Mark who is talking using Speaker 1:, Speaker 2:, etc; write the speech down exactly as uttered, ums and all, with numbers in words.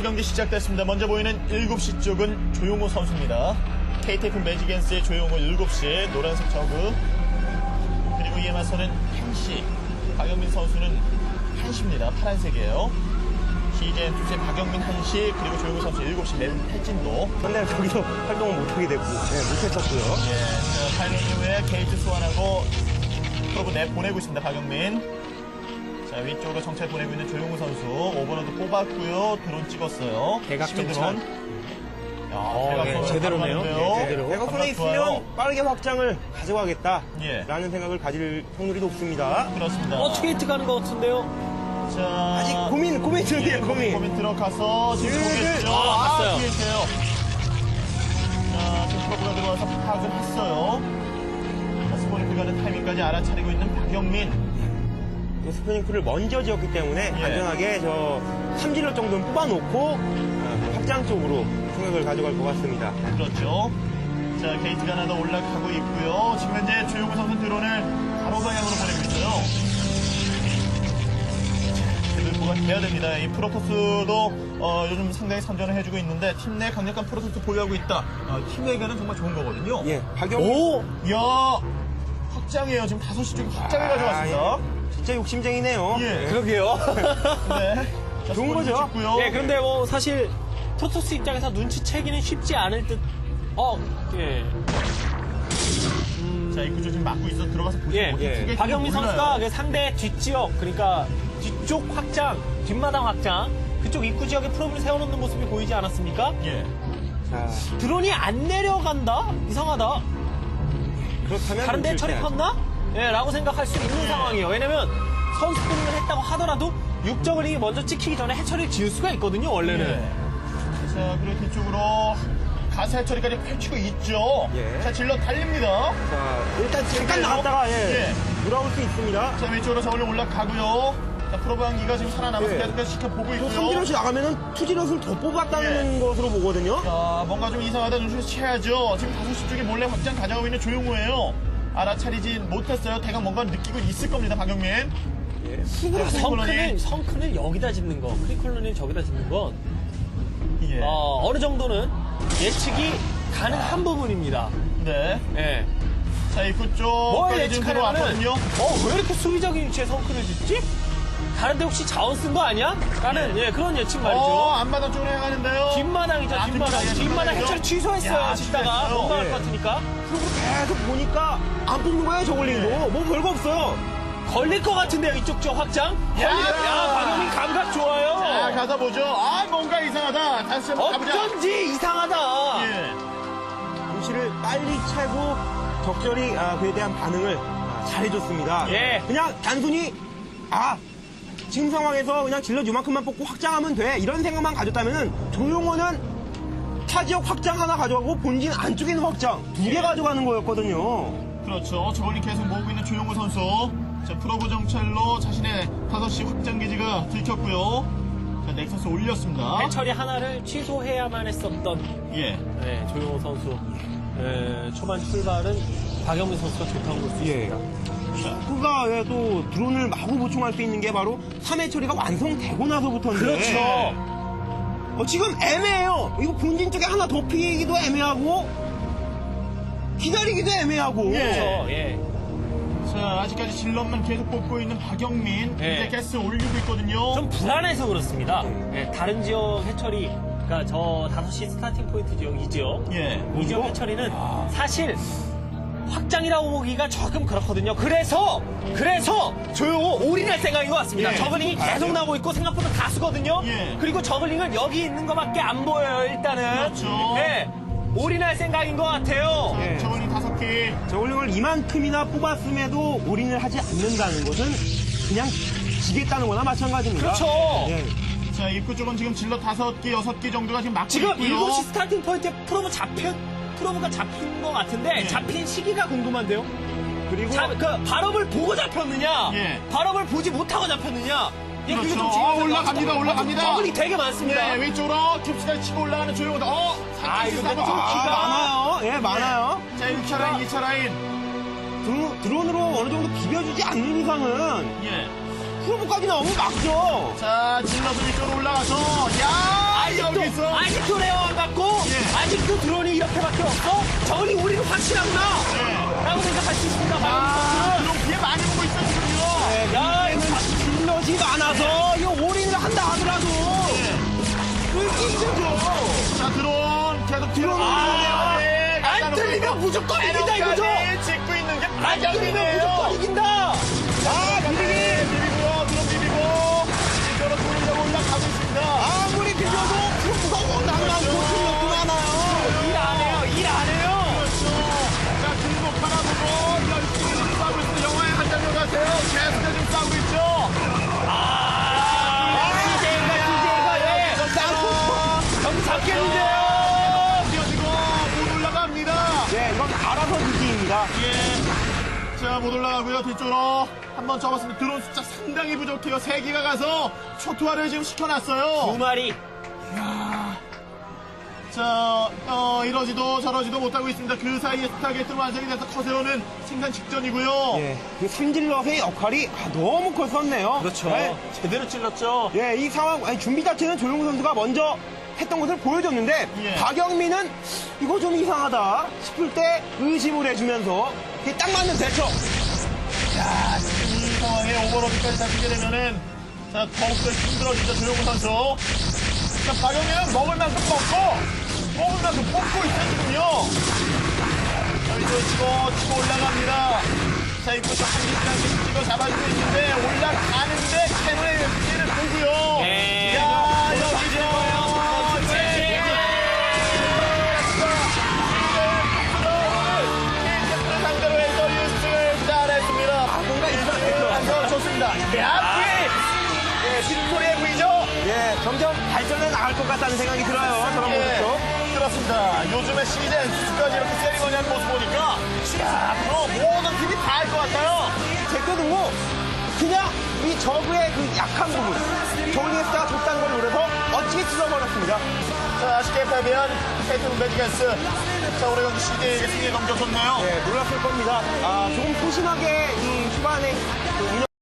Speaker 1: 경기 시작됐습니다. 먼저 보이는 일곱 시 쪽은 조용호 선수입니다. 케이티에프 매직앤스의 조용호 일곱 시 노란색 저그, 그리고 이에 맞서는 한 시 박영민 선수는 한 시입니다. 파란색이에요. 티제이엔투스의 박영민 한 시, 그리고 조용호 선수 일곱 시 내는 탈진도.
Speaker 2: 근데 저기서 활동을 못하게 됐고, 네, 못했었고요.
Speaker 1: 예, 파일럿 이후에 게이트 소환하고 프로브 내 보내고 있습니다. 박영민. 자, 위쪽으로 정찰 보내고 있는 조용호 선수 오버로드 뽑았고요. 드론 찍었어요.
Speaker 3: 대각
Speaker 1: 시민
Speaker 3: 정찰.
Speaker 1: 드론. 야,
Speaker 3: 어,
Speaker 1: 대각
Speaker 3: 네,
Speaker 1: 드론
Speaker 3: 제대로네요.
Speaker 1: 가져가는데요.
Speaker 3: 네, 제대로.
Speaker 2: 내가 손에
Speaker 1: 감각 좋아요.
Speaker 2: 있으면 빠르게 확장을 가져가겠다라는
Speaker 1: 예.
Speaker 2: 생각을 가질 확률이 높습니다.
Speaker 1: 그렇습니다.
Speaker 3: 어, 트게이트 가는 것 같은데요?
Speaker 1: 자,
Speaker 2: 아직 고민, 고민 중이에요,
Speaker 1: 예, 고민,
Speaker 2: 고민.
Speaker 1: 고민 들어가서 지금
Speaker 2: 예,
Speaker 1: 보겠죠.
Speaker 3: 아,
Speaker 1: 아,
Speaker 3: 봤어요.
Speaker 1: 뒤에 있어요. 자, 지금 프로브가 들어와서 파악을 했어요. 자, 스포니크 가는 타이밍까지 알아차리고 있는 박영민.
Speaker 2: 스프링크를 먼저 지었기 때문에
Speaker 1: 예.
Speaker 2: 안전하게 저 삼질러 정도는 뽑아놓고 어, 확장 쪽으로 생각을 가져갈 것 같습니다.
Speaker 1: 그렇죠. 자, 게이트가 하나 더 올라가고 있고요. 지금 현재 조용호 선수 드론을 바로 방향으로 보내고 있어요. 제들보가 돼야 됩니다. 이 프로토스도 어, 요즘 상당히 선전을 해주고 있는데 팀 내 강력한 프로토스 보유하고 있다. 어, 팀에게는 정말 좋은 거거든요.
Speaker 2: 예, 박영민.
Speaker 3: 오!
Speaker 1: 이야, 확장이에요. 지금 다섯 시 쪽에 확장을 가져갔습니다.
Speaker 2: 아, 예. 진짜 욕심쟁이네요.
Speaker 1: 예.
Speaker 3: 그러게요.
Speaker 1: 네. 자,
Speaker 2: 좋은 거죠?
Speaker 1: 찍고요.
Speaker 3: 예, 그런데 뭐 사실 프로토스 입장에서 눈치채기는 쉽지 않을 듯. 어, 예.
Speaker 1: 자, 입구 쪽 지금 막고 있어. 들어가서 보시고.
Speaker 3: 예,
Speaker 2: 예.
Speaker 3: 박영민 선수가 그 상대 뒷지역, 그러니까 뒤쪽 확장, 뒷마당 확장, 그쪽 입구 지역에 프로브를 세워놓는 모습이 보이지 않았습니까?
Speaker 1: 예.
Speaker 2: 자,
Speaker 3: 드론이 안 내려간다? 이상하다.
Speaker 2: 그렇다면
Speaker 3: 다른 데
Speaker 2: 눈치를
Speaker 3: 처리
Speaker 2: 채야죠.
Speaker 3: 컸나? 예, 라고 생각할 수 있는
Speaker 1: 예.
Speaker 3: 상황이에요. 왜냐면 선수 포링을 했다고 하더라도 육저글링이 먼저 찍히기 전에 해처리를 지을 수가 있거든요, 원래는.
Speaker 1: 예. 자, 그리고 뒤쪽으로 가사 처리까지 펼치고 있죠.
Speaker 2: 예.
Speaker 1: 자, 질러 달립니다.
Speaker 2: 자, 일단 잠깐
Speaker 1: 그래요?
Speaker 2: 나갔다가 예,
Speaker 1: 예.
Speaker 2: 돌아올 수 있습니다.
Speaker 1: 자, 왼쪽으로 저울로 올라가고요. 자, 프로방기가 지금 살아남아서
Speaker 2: 예.
Speaker 1: 계속해서 지켜보고
Speaker 2: 또
Speaker 1: 있고요.
Speaker 2: 삼질럿이 나가면은 투질럿을 더 뽑았다는
Speaker 1: 예.
Speaker 2: 것으로 보거든요.
Speaker 1: 자, 뭔가 좀 이상하다 눈치를 채야죠. 지금 다섯 시 쪽에 몰래 확장 가져가고 있는 조용호예요. 알아차리지 못했어요. 대강 뭔가 느끼고 있을 겁니다, 박영민.
Speaker 2: 예.
Speaker 1: 자,
Speaker 3: 성큰을, 성큰을 여기다 짓는 거, 크리콜론을 저기다 짓는 건,
Speaker 1: 예.
Speaker 3: 어, 어느 정도는 예측이 가능한 부분입니다.
Speaker 1: 네.
Speaker 3: 예.
Speaker 1: 자, 입구
Speaker 3: 뭘
Speaker 1: 쪽까지 지금
Speaker 3: 예측하려면은,
Speaker 1: 들어왔거든요.
Speaker 3: 어, 왜 이렇게 수비적인 위치에 성큰을 짓지? 다른데 혹시 자원 쓴 거 아니야? 라는, 예, 그런 예측 말이죠.
Speaker 1: 어, 앞마당 쪽으로 해가는데요.
Speaker 3: 뒷마당이죠,
Speaker 1: 아,
Speaker 3: 뒷마당.
Speaker 1: 뒷마당,
Speaker 3: 뒷마당
Speaker 1: 뒷마당이죠?
Speaker 3: 해처리 취소했어요,
Speaker 1: 야,
Speaker 3: 짓다가.
Speaker 1: 취소했어요.
Speaker 3: 못 막을
Speaker 2: 예.
Speaker 3: 것 같으니까.
Speaker 2: 그리고 계속 보니까 안 뽑는 거예요, 저글링도.
Speaker 1: 예.
Speaker 2: 뭐 별거 없어요.
Speaker 3: 걸릴 것 같은데요, 이쪽 저 확장?
Speaker 1: 야!
Speaker 3: 걸릴 것- 야, 박영민 감각 좋아요.
Speaker 1: 자, 가서 보죠. 아, 뭔가 이상하다. 다시 한번 가보자.
Speaker 3: 어쩐지 이상하다.
Speaker 1: 예.
Speaker 2: 눈치를 빨리 채고 적절히 아, 그에 대한 반응을 아, 잘해줬습니다.
Speaker 3: 예.
Speaker 2: 그냥 단순히 아 지금 상황에서 그냥 질럿 요만큼만 뽑고 확장하면 돼 이런 생각만 가졌다면은 조용호는 타 지역 확장 하나 가져가고 본진 안쪽에 있는 확장 두 개
Speaker 1: 예.
Speaker 2: 가져가는 거였거든요.
Speaker 1: 그렇죠. 저걸리 계속 모으고 있는 조용호 선수. 자, 프로브 정찰로 자신의 다섯 시 확장 기지가 들켰고요. 자, 넥서스 올렸습니다.
Speaker 3: 해처리 하나를 취소해야만 했었던
Speaker 1: 예.
Speaker 3: 네, 조용호 선수. 예, 초반 출발은 박영민 선수가 좋다고 볼 수
Speaker 2: 예.
Speaker 3: 있습니다.
Speaker 2: 그가 왜 또 드론을 마구 보충할 수 있는 게 바로 삼 회 처리가 완성되고 나서부터인데
Speaker 3: 그렇죠.
Speaker 2: 어, 지금 애매해요. 이거 본진 쪽에 하나 더 피기도 애매하고 기다리기도 애매하고
Speaker 1: 예.
Speaker 3: 그렇죠. 예.
Speaker 1: 자, 아직까지 질럿만 계속 뽑고 있는 박영민.
Speaker 3: 예.
Speaker 1: 이제 가스 올리고 있거든요.
Speaker 3: 좀 불안해서 그렇습니다. 예, 다른 지역 해처리, 그러니까 저 다섯 시 스타팅 포인트 지역, 이 지역.
Speaker 1: 예.
Speaker 3: 이 지역 해처리는 사실 확장이라고 보기가 조금 그렇거든요. 그래서 그래서 조용호 올인할 생각인 것 같습니다.
Speaker 1: 예.
Speaker 3: 저글링이 계속 나오고 있고 생각보다 다수거든요.
Speaker 1: 예.
Speaker 3: 그리고 저글링은 여기 있는 것밖에 안 보여요. 일단은.
Speaker 1: 그렇죠.
Speaker 3: 네. 올인할 생각인 것 같아요.
Speaker 2: 예.
Speaker 1: 저걸리 다섯 개.
Speaker 2: 저울링을 이만큼이나 뽑았음에도 올인을 하지 않는다는 것은 그냥 지겠다는 거나 마찬가지입니다.
Speaker 3: 그렇죠.
Speaker 2: 예.
Speaker 1: 자, 입구 쪽은 지금 질럿 다섯 개, 여섯 개 정도가 지금 막고
Speaker 3: 지금
Speaker 1: 있고요.
Speaker 3: 일곱 시 스타팅 포인트에 프로브 잡힌 프로브가 잡힌 것 같은데
Speaker 1: 예.
Speaker 3: 잡힌 시기가 궁금한데요.
Speaker 2: 그리고
Speaker 3: 자, 그 발업을 보고 잡혔느냐,
Speaker 1: 예.
Speaker 3: 발업을 보지 못하고 잡혔느냐. 예, 그게
Speaker 1: 그렇죠.
Speaker 3: 좀
Speaker 1: 아,
Speaker 3: 중요해요.
Speaker 1: 올라갑니다, 올라갑니다.
Speaker 3: 저글이 되게 많습니다.
Speaker 1: 네, 왼쪽으로 캡스까지 치고 올라가는 조용호다. 어,
Speaker 3: 아,
Speaker 1: 살짝
Speaker 3: 이거
Speaker 1: 한번
Speaker 3: 좀
Speaker 1: 더
Speaker 2: 아,
Speaker 3: 키가-
Speaker 2: 많아요. 예, 많아요.
Speaker 1: 자, 일 차 라인, 이 차 라인.
Speaker 2: 드론, 드론으로 어느 정도 비벼주지 않는 이상은
Speaker 1: 예.
Speaker 2: 프로브까지 나오면 막죠.
Speaker 1: 자, 질럿은 이쪽으로 올라가서, 야!
Speaker 3: 아직도,
Speaker 1: 여기서.
Speaker 3: 아직도 레어 안 받고,
Speaker 1: 예.
Speaker 3: 아직도 드론이 이렇게밖에 없어? 저기 우리는 확실하구나!
Speaker 1: 예.
Speaker 3: 라고 생각할 수 있습니다,
Speaker 1: 아,
Speaker 3: 박영민
Speaker 1: 그럼 피해 많이 보고 있어요, 지금요.
Speaker 2: 네,
Speaker 3: 야,
Speaker 2: 이제는 질럿이 많아서 이거 올인을 한다 하더라도 끌기 힘들죠.
Speaker 1: 자, 드론 계속 드론.
Speaker 3: 아, 안 들리면 무조건 이긴다, 이거죠?
Speaker 1: 짓고 있는 게
Speaker 3: 안 들리면 무조건
Speaker 1: 박영민이에요.
Speaker 3: 이긴다!
Speaker 2: 아, 비비기.
Speaker 1: 비비고요, 드론 비비고. 이쪽으로 돌리려고 올라가고 있습니다.
Speaker 2: 아무리 비벼도 프로가 워낙 많고 질럿도 많아요.
Speaker 3: 일 안 해요, 일 안 해요!
Speaker 1: 그렇죠. 자, 등록 하나 보고 열심히 싸우고 있습니다. 영화의 한 장면 같아요. 계속해서 지금 싸우고 있죠.
Speaker 3: 아, 디제이가, 디제이가, 예!
Speaker 1: 싸우고
Speaker 3: 경기 잡겠는데요!
Speaker 1: 뛰어지고 못 올라갑니다.
Speaker 2: 네, 이건 알아서 비기입니다.
Speaker 1: 예. 자, 못 올라가고요. 뒤쪽으로 한번 접었습니다. 드론 숫자 상당히 부족해요. 세 기가 가서 초토화를 지금
Speaker 3: 두
Speaker 1: 시켜놨어요.
Speaker 3: 마리.
Speaker 1: 자, 어, 이러지도 저러지도 못하고 있습니다. 그 사이에 스타게이트는 완성이 돼서 커세오는 생산 직전이고요.
Speaker 2: 예, 그 삼질럿의 역할이 아, 너무 컸었네요.
Speaker 3: 그렇죠.
Speaker 2: 네.
Speaker 3: 제대로 찔렀죠.
Speaker 2: 예, 이 상황, 아니, 준비 자체는 조용호 선수가 먼저 했던 것을 보여줬는데,
Speaker 1: 예.
Speaker 2: 박영민은 이거 좀 이상하다 싶을 때 의심을 해주면서, 이게 딱 맞는 대처.
Speaker 1: 자, 이 상황에 오버로드까지 잡히게 되면은, 자, 더욱더 힘들어지죠, 조용호 선수. 자, 박영민은 먹을 만큼 먹고, 먹을 만큼 뽑고 있어요, 지금요. 자, 이거 치고, 치고 올라갑니다. 자, 이거 한 개씩 한 개씩 찍어 잡아주고 있는데, 올라가는데, 캐논의 피해를 보고요.
Speaker 3: 예.
Speaker 1: 야, 여기죠. 상대로 해서 일 승을 잘했습니다.
Speaker 2: 아, 뭔가 있었죠.
Speaker 1: 한번 좋습니다. 야, 예, 빅토리의 부이죠?
Speaker 2: 예, 점점 발전해 나갈 것 같다는 생각이 들어요. 저런
Speaker 1: 예,
Speaker 2: 모습도.
Speaker 1: 그렇습니다. 요즘에 시즌 수까지 이렇게 세리머니하는 모습 보니까, 야, 앞으로 모든 팀이 다 할 것 같아요.
Speaker 2: 제껴두고, 그냥 이 저그의 그 약한 부분, 조니에스가 줬다는 걸 노려서 멋지게 찔러버렸습니다.
Speaker 1: 자, 아쉽게 패배한 케이트는 매지겐스. 자, 오늘 경기 시즌에게 승리에 넘겨줬네요.
Speaker 2: 예, 놀랐을 겁니다. 아, 조금 소심하게 이 후반에 그 운영